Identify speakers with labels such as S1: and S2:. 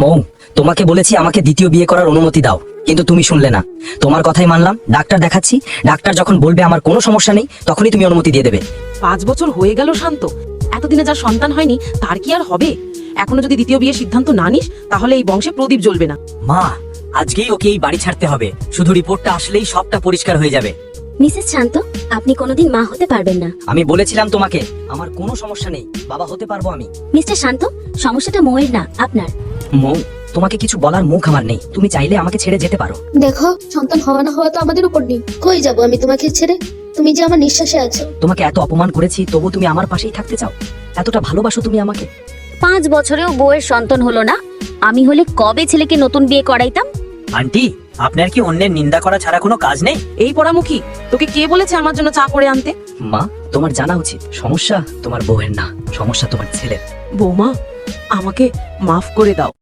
S1: মৌ, তোমাকে বলেছি আমাকে দ্বিতীয় বিয়ে করার অনুমতি দাও, কিন্তু তুমি শুনলে না। তোমার কথাই মানলাম, ডাক্তার দেখাচ্ছি। ডাক্তার যখন বলবে আমার কোনো সমস্যা নেই, তখনই তুমি অনুমতি দিয়ে দেবে।
S2: 5 বছর হয়ে গেল শান্ত, এতদিনে যার সন্তান হয়নি তার কি আর হবে? এখনো যদি দ্বিতীয় বিয়ের সিদ্ধান্ত না নিস তাহলে এই বংশে প্রদীপ জ্বলবে না।
S1: মা, আজকেই ওকে এই বাড়ি ছাড়তে হবে। শুধু রিপোর্টটা আসলেই সবটা পরিষ্কার হয়ে যাবে।
S3: মিসেস শান্ত, আপনি কোনোদিন মা হতে পারবেন না।
S1: আমি বলেছিলাম তোমাকে আমার কোনো সমস্যা নেই, বাবা হতে পারবো আমি।
S3: মিস্টার শান্ত, সমস্যাটা মৌয়ের না, আপনার।
S1: মৌ, তোমাকে কিছু বলার মুখ আমার নেই। তুমি চাইলে আমাকে ছেড়ে যেতে পারো।
S4: দেখো, সন্তান হওয়া না হওয়া তো আমাদের উপর নেই। কই যাব আমি তোমাকে ছেড়ে? তুমি যে আমার নিঃশ্বাসে আছো।
S1: তোমাকে এত অপমান করেছি, তবু তুমি আমার পাশেই থাকতে চাও? এতটা ভালোবাসো তুমি আমাকে?
S3: 5 বছরেও বউয়ের সন্তান হলো না। আমি হলে কবে ছেলেকে নতুন বিয়ে করাইতাম।
S1: আন্টি, আপনার কি অন্যের নিন্দা করা ছাড়া কোনো কাজ নেই?
S2: এই পোড়ামুখী, তোকে কে বলেছে আমার জন্য চা করে আনতে?
S1: মা, তোমার জানা উচিত সমস্যা তোমার বউয়ের না, সমস্যা তোমার ছেলের।
S2: বৌমা, আমাকে মাফ করে দাও।